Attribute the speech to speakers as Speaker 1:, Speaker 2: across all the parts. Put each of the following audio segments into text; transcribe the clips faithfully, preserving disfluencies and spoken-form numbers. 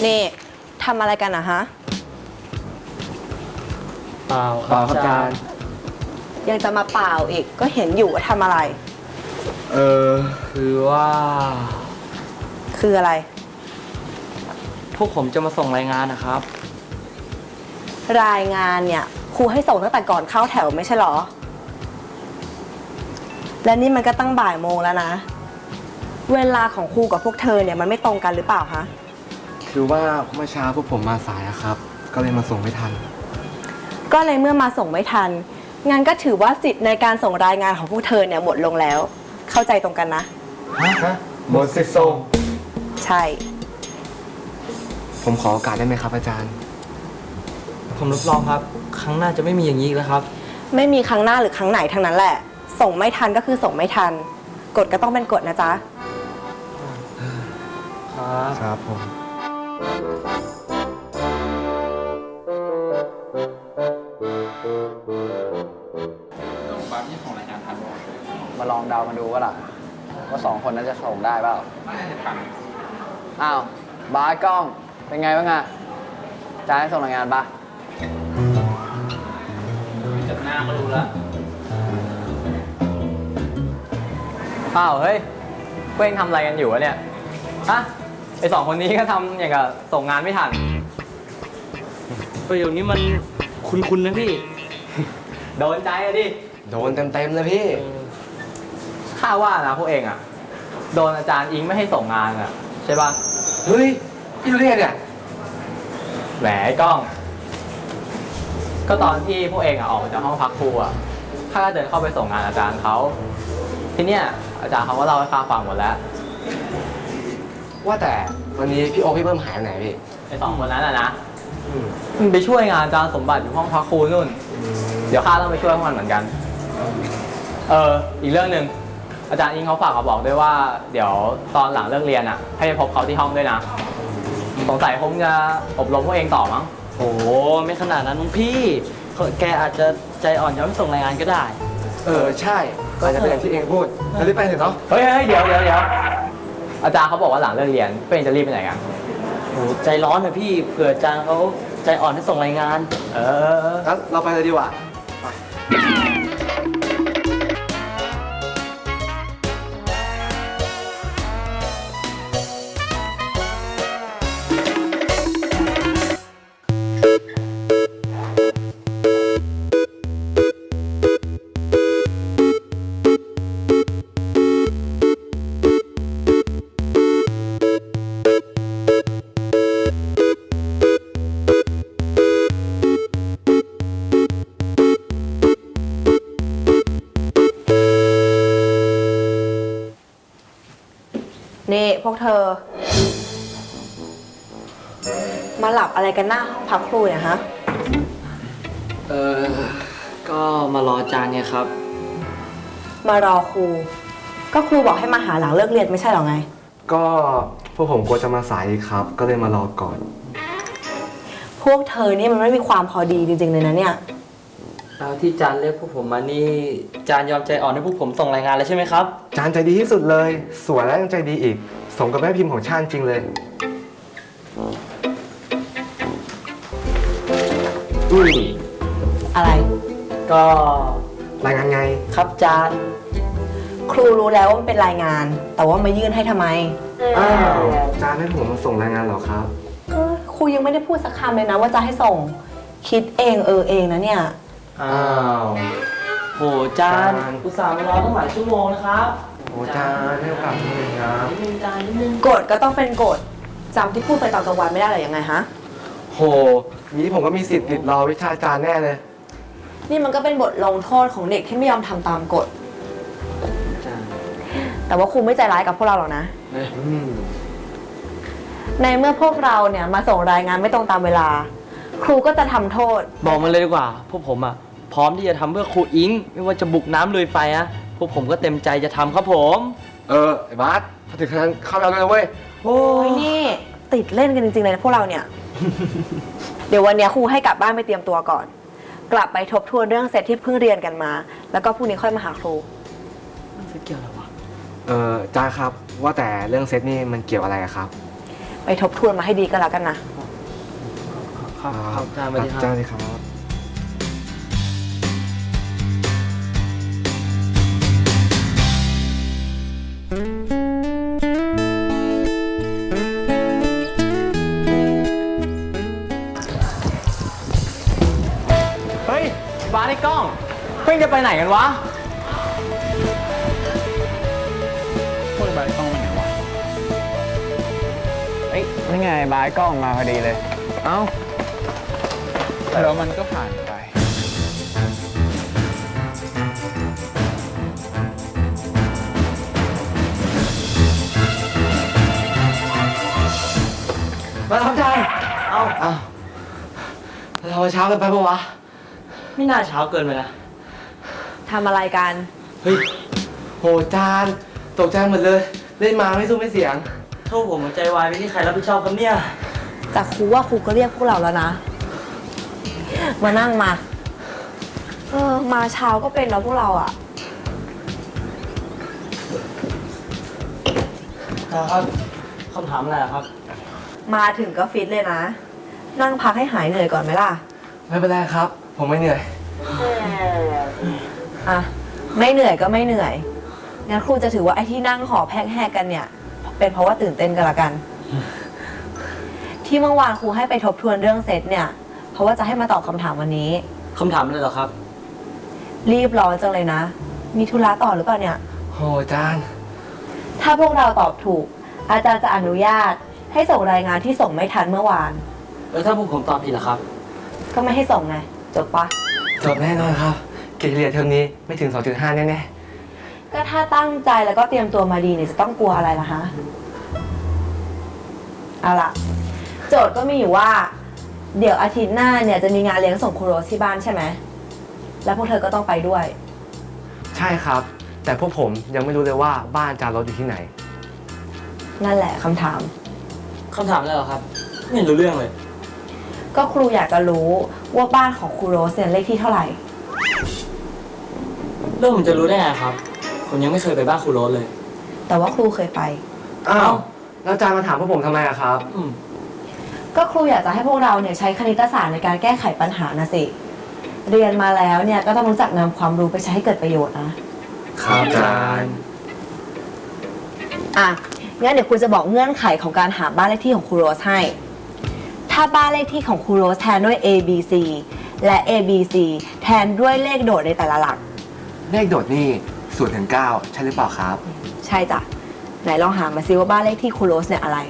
Speaker 1: นี่ทำอะไรกันนะฮะ
Speaker 2: เปล่าค
Speaker 3: เป
Speaker 2: รั
Speaker 3: ล่า
Speaker 2: บ
Speaker 3: ครับอา
Speaker 2: อาจา
Speaker 3: จาร ร
Speaker 2: ย์
Speaker 3: ย์
Speaker 1: ยังจะมาเปล่าอีกก็เห็นอยู่ว่าทำอะไร
Speaker 3: เออ
Speaker 2: คือว่า
Speaker 1: คืออะไร
Speaker 2: พวกผมจะมาส่งรายงานนะครับ
Speaker 1: รายงานเนี่ยครูให้ส่งตั้งแต่ก่อนเข้าแถวไม่ใช่หรอ และนี่มันก็ตั้งบ่ายโมงแล้วนะ เวลาของครูกับพวกเธอเนี่ยมันไม่ตรงกันหรือเปล่าคะ
Speaker 3: คือว่าเมื่อเช้าพวกผมมาสายอะครับ ก็เลยมาส่งไม่ทัน
Speaker 1: ก็เลยเมื่อมาส่งไม่ทันงั้นก็ถือว่าสิทธิ์ในการส่งรายงานของพวกเธอเนี่ยหมดลงแล้ว เข้าใจตรงกันนะ
Speaker 3: ฮะหมดสิทธิ์ส่ง
Speaker 1: ใช่
Speaker 3: ผมขอโอกาสได้ไหมครับอาจารย์
Speaker 2: ผมรับรองครับ ครั้งหน้าจะไม่มีอย่างนี้อีกแล้วครับ
Speaker 1: ไม่มีครั้งหน้าหรือครั้งไหนทั้งนั้นแหละ ส่งไม่ทันก็คือส่งไม่ทันกฎก็ต้องเป็นกฎนะจ๊ะ
Speaker 2: ครับ
Speaker 3: ครับผม
Speaker 4: มาลองเดามาดูว่าล่ะว่าสองคนนั้นจะส่งได้เปล่าอ้าวบาสกล้องเป็นไงบ้างอะจานให้ส่งรายงานปะ
Speaker 2: จากหน้าก็รู้แล้ว
Speaker 4: อ้าวเฮ้ยเพื่อนทำอะไรกันอยู่วะเนี่ยฮะไอสองคนนี้ก็ทำอย่างกับส่งงานไม่ทัน
Speaker 2: ประโยคนี้มันคุ้นๆนะพี่
Speaker 4: โดนใจอะดิ
Speaker 3: โดนเต็มๆเลยพี่
Speaker 4: ข้าว่านะพวกเองอะโดนอาจารย์อิงไม่ให้ส่งงานอะใช่ปะ
Speaker 3: เฮ้ยพี่รู้ได้ไงเนี่ย
Speaker 4: แหมไอ้กล้อง ก็ตอนที่พวกเองอะออกมาจากห้องพักครูอะข้าก็เดินเข้าไปส่งงานอาจารย์เขาทีเนี้ยอาจารย์เขาก็เล่าให้ข้าฟังหมดแล้ว
Speaker 3: ว่าแต่วันนี้พี่โอคพี่เบิ้มหายไปไหนพี่
Speaker 4: ไอ้สองคนนั้นอะนะมันไปช่วยงานอาจารย์สมบัติอยู่ห้องพักครูนู่น เดี๋ยวข้าต้องไปช่วยพวกมันเหมือนกัน เออ อีกเรื่องหนึ่งอาจารย์อิงเขาฝากมาบอกด้วยว่า เดี๋ยวตอนหลังเลิกเรียนอ่ะ ให้ไปพบเขาที่ห้องด้วยนะ สงสัยคงจะอบรมพวกเองต่อมั้ง
Speaker 2: โอ้ไม่ขนาดนั้นมั้งพี่ แกอาจจะใจอ่อนยอมให้ส่งรายงานก็ได้
Speaker 3: เออใช่ก็อาจจะเป็นอย่างที่เองพูดจะรีบไปเถอะเนาะ
Speaker 4: เฮ้ยเฮ้ยเดี๋ยวเดี๋ยวเดี๋ยวอาจารย์เขาบอกว่าหลังเลิกเรียนพวกเองจะรีบไปไหนกัน
Speaker 2: โอ้ใจร้อนนะพี่ เผื่ออาจารย์เขาใจอ่อนให้ส่งรายงาน
Speaker 4: เออ
Speaker 3: งั้นเราไปเลยดีกว่า
Speaker 1: นี่พวกเธอ มาหลับอะไรกันหน้าห้องพักครูเนี่ยฮะ
Speaker 2: เออ ก็มารออาจารย์เนี่ยครับ
Speaker 1: มารอครู ก็ครูบอกให้มาหาหลังเลิกเรียนไม่ใช่หรอไง
Speaker 3: ก็พวกผมกลัวจะมาสายอีกครับ ก็เลยมารอก่อน
Speaker 1: พวกเธอนี่มันไม่มีความพอดีจริงๆเลยนะเนี่ย
Speaker 2: แล้วที่อาจารย์เรียกพวกผมมานี่อาจารย์ยอมใจอ่อนให้พวกผมส่งรายงานแล้วใช่ไหมครับ
Speaker 3: จานใจดีที่สุดเลย สวยและยังใจดีอีก สมกับแม่พิมพ์ของชาติจริงเลยอุ้ย
Speaker 1: อะไร
Speaker 2: ก็
Speaker 3: รายงานไง
Speaker 2: ครับอาจารย์
Speaker 1: ครูรู้แล้วว่ามันเป็นรายงาน แต่ว่ามายื่นให้ทำไม
Speaker 3: อ้าวจานให้ผมมาส่งรายงานเหรอครับ
Speaker 1: เออครูยังไม่ได้พูดสักคำเลยนะว่าจะให้ส่ง คิดเองเออเองนะเนี่ย
Speaker 2: อ้าวโหอาจารย์
Speaker 3: อาจารย์
Speaker 2: อุตส่าห์มารอตั้งหลายชั่วโมงนะครับ
Speaker 3: โอ้จานให้โอกาสผมเลยครับ
Speaker 2: นิดนึงอาจารย์นิดนึง
Speaker 1: กฎก็ต้องเป็นกฎจำที่พูดไปตอนกลางวันไม่ได้หรือยังไงฮะ
Speaker 3: โหนี้ผมก็มีสิทธิ์ติดรอวิชาจารย์แน่เลย
Speaker 1: นี่มันก็เป็นบทลงโทษของเด็กที่ไม่ยอมทำตามกฎ
Speaker 2: อาจารย์
Speaker 1: แต่ว่าครูไม่ใจร้ายกับพวกเราหรอกนะ
Speaker 3: อืม
Speaker 1: ในเมื่อพวกเราเนี่ยมาส่งรายงานไม่ตรงตามเวลา ครูก็จะทำโทษ
Speaker 2: บอกมาเลยดีกว่า พวกผมอ่ะ พร้อมที่จะทำเพื่อครูอิง ไม่ว่าจะบุกน้ำลุยไฟอะพวกผมก็เต็มใจจะทำครับผม
Speaker 3: เออไอ้บาสถ้าถึงขนาดนั้นเข้าไปเอาเลยนะเว้ย
Speaker 2: โอ้
Speaker 1: โอ้ยนี่ติดเล่นกันจริงๆเลยนะพวกเราเนี่ย เดี๋ยววันเนี้ยครูให้กลับบ้านไปเตรียมตัวก่อน กลับไปทบทวนเรื่องเซตที่เพิ่งเรียนกันมา แล้วก็พรุ่งนี้ค่อยมาหาครู
Speaker 2: มันจะเกี่ยวอะไรวะ
Speaker 3: เออจานครับ ว่าแต่เรื่องเซตนี่มันเกี่ยวอะไรอะครับ
Speaker 1: ไปทบทวนมาให้ดีก็แล้วกันนะ
Speaker 2: ครับครับอาจารย์สวัสดีค
Speaker 3: จ้า
Speaker 2: รับ
Speaker 3: เลยครับ
Speaker 4: เฮ้ยบ้านไอ้กล้องเพิ่งจะไปไหนกันวะ
Speaker 5: พวกบายกล้องไปไหนวะเอ้ยนี่ไงบายกล้องมาพอดีเลย เอ้าแล้วมันก็ผ่านไป
Speaker 2: มาครับอาจารย์เอาเอาเราเช้ากันไปปะวะ ไม่น่าเช้าเกินไปนะ
Speaker 1: ทำอะไรกัน
Speaker 3: เฮ้ยโหจานตกใจหมดเลย เล่นมาไม่สู้ไม่เสียง
Speaker 2: โทษผมหัวใจวายไม่มีใครรับผิดชอบครับเนี่ย
Speaker 1: แต่ครูว่าครูก็เรียกพวกเราแล้วนะ มานั่งมา เออ มาเช้าก็เป็นแล้วพวกเราอะ
Speaker 2: ครับคำถามอะไรอะครับ
Speaker 1: มาถึงก็ฟิตเลยนะ นั่งพักให้หายเหนื่อยก่อนไหมล่ะ
Speaker 3: ไม่เป็นไรครับ ผมไม่เหนื่อย
Speaker 1: อ่ะ ไม่เหนื่อยก็ไม่เหนื่อย งั้นครูจะถือว่าไอ้ที่นั่งหอบแหกๆกันเนี่ย เป็นเพราะว่าตื่นเต้นกันละกัน ที่เมื่อวานครูให้ไปทบทวนเรื่องเซตเนี่ย เพราะว่าจะให้มาตอบคำถามวันนี้
Speaker 2: คำถามอะไรเหรอครับ
Speaker 1: รีบร้อนจังเลยนะ มีธุระต่อหรือเปล่าเนี่ย
Speaker 3: โหจาน
Speaker 1: ถ้าพวกเราตอบถูก อาจารย์จะอนุญาตให้ส่งรายงานที่ส่งไม่ทันเมื่อวาน
Speaker 2: แล้วถ้าพวกผมตอบผิดล่ะครับ
Speaker 1: ก็ไม่ให้ส่งไง จบปะ
Speaker 3: จบแน่นอนครับ เกรดเฉลี่ยเทอมนี้ไม่ถึง สองจุดห้า แน่
Speaker 1: ก็ถ้าตั้งใจแล้วก็เตรียมตัวมาดีเนี่ยจะต้องกลัวอะไรล่ะฮะ เอาล่ะ โจทย์ก็มีอยู่ว่า เดี๋ยวอาทิตย์หน้าเนี่ยจะมีงานเลี้ยงส่งครูโรสที่บ้านใช่ไหม แล้วพวกเธอก็ต้องไปด้วย
Speaker 3: ๆ ใช่ครับ แต่พวกผมยังไม่รู้เลยว่าบ้านจานรถอยู่ที่ไหน
Speaker 1: นั่นแหละคำถาม
Speaker 2: คำถามอะไรเหรอครับ ไม่รู้เรื่องเลย
Speaker 1: ก็ครูอยากจะรู้ว่าบ้านของครูโรสเนี่ยเลขที่เท่าไหร่
Speaker 2: เรื่องผมจะรู้ได้ไงครับ ผมยังไม่เคยไปบ้านครูโรสเลย
Speaker 1: แต่ว่าครูเคยไป
Speaker 3: อ้าว แล้วจานมาถามพวกผมทำไมอะครับ
Speaker 2: อืม
Speaker 1: ก็ครูอยากจะให้พวกเราเนี่ยใช้คณิตศาสตร์ในการแก้ไขปัญหานะสิ เรียนมาแล้วเนี่ยก็ต้องรู้จักนำความรู้ไปใช้ให้เกิดประโยชน์นะ
Speaker 3: ครับอาจารย์
Speaker 1: อ่ะ งั้นเดี๋ยวครูจะบอกเงื่อนไขของการหาบ้านเลขที่ของครูโรสให้ ถ้าบ้านเลขที่ของครูโรสแทนด้วย A B C และ A B C แทนด้วยเลขโดดในแต่ละหลัก
Speaker 3: เลขโดดนี่ศูนย์ถึงเก้าใช่หรือเปล่าครับ
Speaker 1: ใช่จ้ะ ไหนลองหามาซิว่าบ้านเลขที่ครูโรสเนี่ยอะไร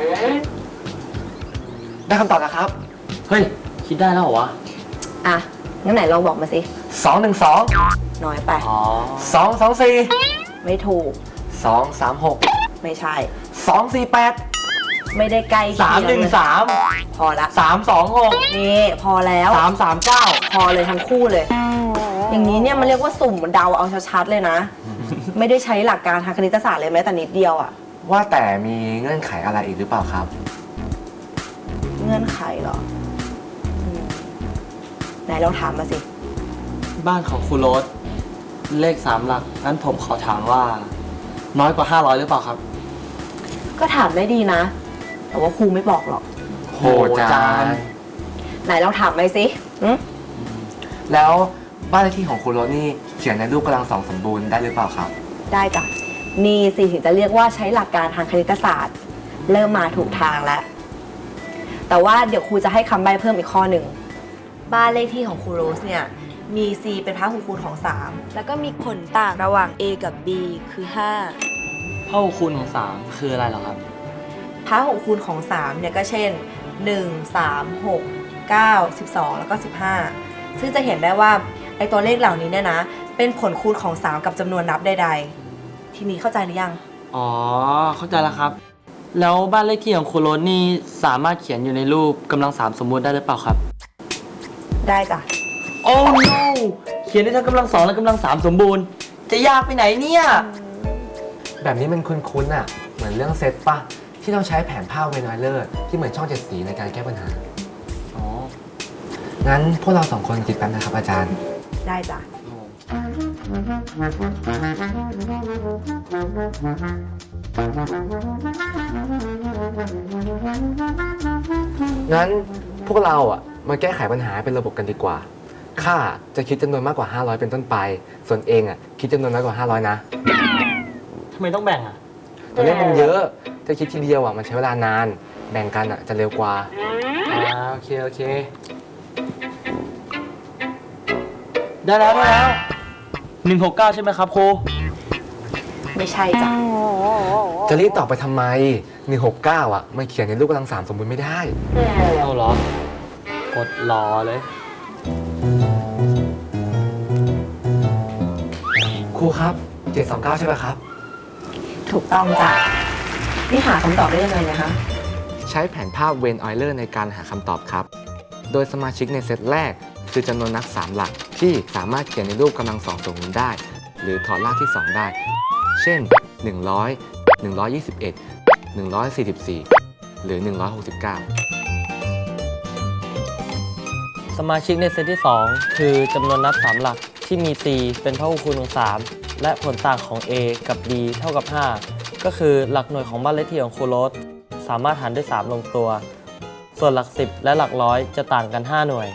Speaker 3: ได้คำตอบนะครับ
Speaker 2: เฮ้ย คิดได้แล้วเหรอวะ
Speaker 1: อ่ะ งั้นไหนลองบอกมาสิ
Speaker 3: สองหนึ่งสอง
Speaker 1: น้อยไป
Speaker 2: อ๋อ
Speaker 3: สองสองสี่
Speaker 1: ไม่ถูก
Speaker 3: สองสามหก
Speaker 1: ไม่ใช่
Speaker 3: สองสี่แปด
Speaker 1: ไม่ได้ใกล้
Speaker 2: สามหนึ่งสาม
Speaker 1: พอละ
Speaker 2: สามสองหก
Speaker 1: นี่พอแล้ว
Speaker 2: สามสามเก้า
Speaker 1: พอเลยทั้งคู่เลย อย่างนี้เนี่ยมันเรียกว่าสุ่มเดาเอาชัดๆเลยนะ ไม่ได้ใช้หลักการทางคณิตศาสตร์เลยแม้แต่นิดเดียวอ่ะ
Speaker 3: ว่าแต่มีเงื่อนไขอะไรอีกหรือเปล่าครับ
Speaker 1: เงื่อนไขเหรออืมไหนลองถามมาสิ
Speaker 2: บ้านของครูโรสเลขสามหลัก งั้นผมขอถามว่า น้อยกว่าห้าร้อยหรือเปล่าครับ
Speaker 1: ก็ถามได้ดีนะ แต่ว่าครูไม่บอกหรอก
Speaker 3: โหจาน
Speaker 1: ไหนลองถามไปสิอืม
Speaker 3: แล้วบ้านเลขที่ของคุณโรสนี่เขียนในรูปกำลังสองสมบูรณ์ได้หรือเปล่าครับ
Speaker 1: ได้จ้ะ นี่สิถึงจะเรียกว่าใช้หลักการทางคณิตศาสตร์ เริ่มมาถูกทางแล้ว แต่ว่าเดี๋ยวครูจะให้คำใบ้เพิ่มอีกข้อหนึ่ง บ้านเลขที่ของครูโรสเนี่ย มี C เป็นพหุคูณของ สาม แล้วก็มีผลต่างระหว่าง A กับ B คือ ห้า
Speaker 2: พหุคูณของสามคืออะไรเหรอครับ
Speaker 1: พหุคูณของ สามเนี่ยก็เช่น หนึ่ง สาม หก เก้า สิบสอง แล้วก็ สิบห้า ซึ่งจะเห็นได้ว่าไอ้ตัวเลขเหล่านี้เนี่ยนะ เป็นผลคูณของ สาม กับจำนวนนับใดๆ ทีนี้เข้าใจหรือยัง
Speaker 2: อ๋อ เข้าใจแล้วครับ แล้วบ้านเลขที่ของครูโรสนี่สามารถเขียนอยู่ในรูปกำลังสามสมบูรณ์ได้หรือเปล่าครับ
Speaker 1: ได้จ้ะ
Speaker 2: โอ้ no เขียนได้ทั้งกำลังสองและกำลังสามสมบูรณ์ จะยากไปไหนเนี่ย
Speaker 3: แบบนี้มันคุ้นๆอ่ะ เหมือนเรื่องเซตป่ะ ที่ต้องใช้แผนภาพเวนอยเลอร์ที่เหมือนช่องเจ็ดสีในการแก้ปัญหา
Speaker 2: อ๋อ
Speaker 3: งั้นพวกเราสองคนคิดแป๊บนะครับอาจารย์
Speaker 1: ได้จ้ะ
Speaker 2: โอ้
Speaker 3: งั้นพวกเราอ่ะมาแก้ไขปัญหาเป็นระบบกันดีกว่าข้าจะคิดจำนวนมากกว่าห้าร้อยเป็นต้นไปส่วนเองอ่ะคิดจำนวนน้อยกว่าห้าร้อยนะ
Speaker 2: ทำไมต้องแบ่งอ่ะ
Speaker 3: ตัวเลขมันเยอะถ้าคิดทีเดียวอ่ะมันใช้เวลานานแบ่งกันอ่ะจะเร็วกว่า
Speaker 2: อ่าโอเคโอเค ได้แล้วได้แล้วหนึ่งหกเก้าใช่ไหมครับครู
Speaker 1: ไม่ใช่จ้ะ
Speaker 3: จะรีบตอบไปทำไมหนึ่งหกเก้าอ่ะมันเขียนในรูปกำลังสามสมบูรณ์ไม่ได้
Speaker 2: เอาเหรอ กดรอเลย
Speaker 3: ครูครับเจ็ดสองเก้าใช่ไหมครับ
Speaker 1: ถูกต้องจ้ะนี่หาคำตอบได้ยังไงนะคะ
Speaker 3: ใช้แผนภาพเวนออยเลอร์ในการหาคำตอบครับ โดยสมาชิกในเซตแรกคือจำนวนนักสามหลักที่สามารถเขียนในรูปกำลังสองสมบูรณ์ได้ หรือถอดรากที่สองได้ เช่น หนึ่งร้อย หนึ่งร้อยยี่สิบเอ็ด หนึ่งร้อยสี่สิบสี่ หรือ หนึ่งร้อยหกสิบเก้า
Speaker 2: สมาชิกในเซตที่ สอง คือจำนวนนับ สาม หลักที่มี c เป็นพหุคูณของ สาม และผลต่างของ a กับ b เท่ากับ ห้า ก็คือหลักหน่วยของบ้านเลขที่ของครูโรสสามารถหารด้วย สาม ลงตัว ส่วนหลัก สิบ และหลักร้อยจะต่างกัน ห้า หน่วย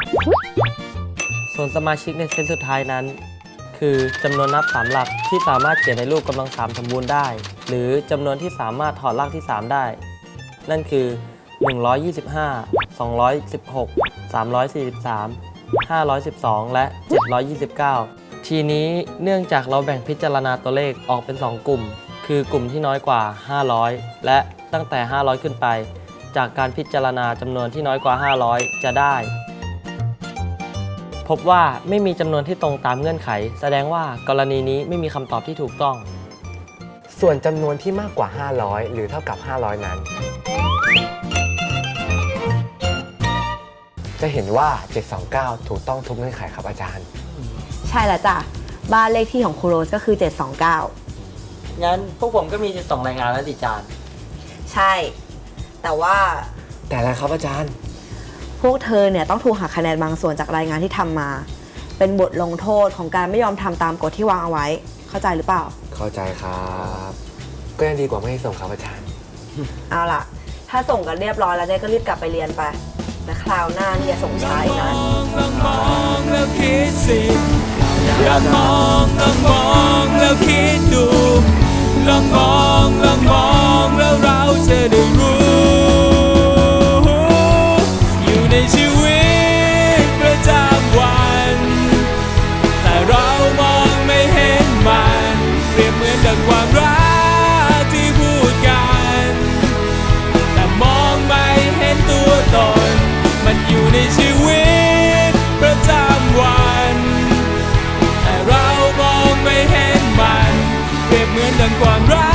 Speaker 2: ส่วนสมาชิกในเซตสุดท้ายนั้น คือจำนวนนับ สาม หลักที่สามารถเขียนในรูปกำลัง สาม สมบูรณ์ได้ หรือจำนวนที่สามารถถอดรากที่ สาม ได้ นั่นคือ หนึ่งร้อยยี่สิบห้า สองร้อยสิบหก สามร้อยสี่สิบสาม ห้าร้อยสิบสอง และ เจ็ดร้อยยี่สิบเก้า ทีนี้เนื่องจากเราแบ่งพิจารณาตัวเลขออกเป็น สอง กลุ่ม คือกลุ่มที่น้อยกว่า ห้าร้อย และตั้งแต่ ห้าร้อย ขึ้นไป จากการพิจารณาจำนวนที่น้อยกว่า ห้าร้อย จะได้ พบว่าไม่มีจำนวนที่ตรงตามเงื่อนไข แสดงว่ากรณีนี้ไม่มีคำตอบที่ถูกต้อง
Speaker 3: ส่วนจำนวนที่มากกว่า ห้าร้อย หรือเท่ากับ ห้าร้อย นั้น จะเห็นว่า เจ็ดสองเก้า ถูกต้องทุกเงื่อนไขครับอาจารย์
Speaker 1: ใช่แล้วจ้ะบ้านเลขที่ของครูโรสก็คือ เจ็ดสองเก้า
Speaker 2: งั้นพวกผมก็มีจะส่งรายงานแล้วดิจาน
Speaker 1: ใช่ แต่ว่า
Speaker 3: แต่อะไรครับอาจารย์
Speaker 1: พวกเธอเนี่ยต้องถูกหักคะแนนบางส่วนจากรายงานที่ทำมา เป็นบทลงโทษของการไม่ยอมทำตามกฎที่วางเอาไว้ เข้าใจหรือเปล่า
Speaker 3: เข้าใจครับ ก็ยังดีกว่าไม่ให้ส่งครับอาจารย์
Speaker 1: เอาล่ะ ถ้าส่งกันเรียบร้อยแล้วเนี่ยก็รีบกลับไปเรียนไปและคราวหน้าเนี่ยส่งช้าอีกนะ
Speaker 6: ลองมองแล้วคิดสิอยากมองลองมองแล้วคิดดูลองมองลองมองแล้วเราจะได้รู้ อยู่ในชีวิตประจำวันแต่เรามองไม่เห็นมันเปรียบเหมือนดังความรักที่พูดกันแต่มองไม่เห็นตัวตนมันอยู่ในชีวิตประจำวันแต่เรามองไม่เห็นมันเปรียบเหมือนดังความรัก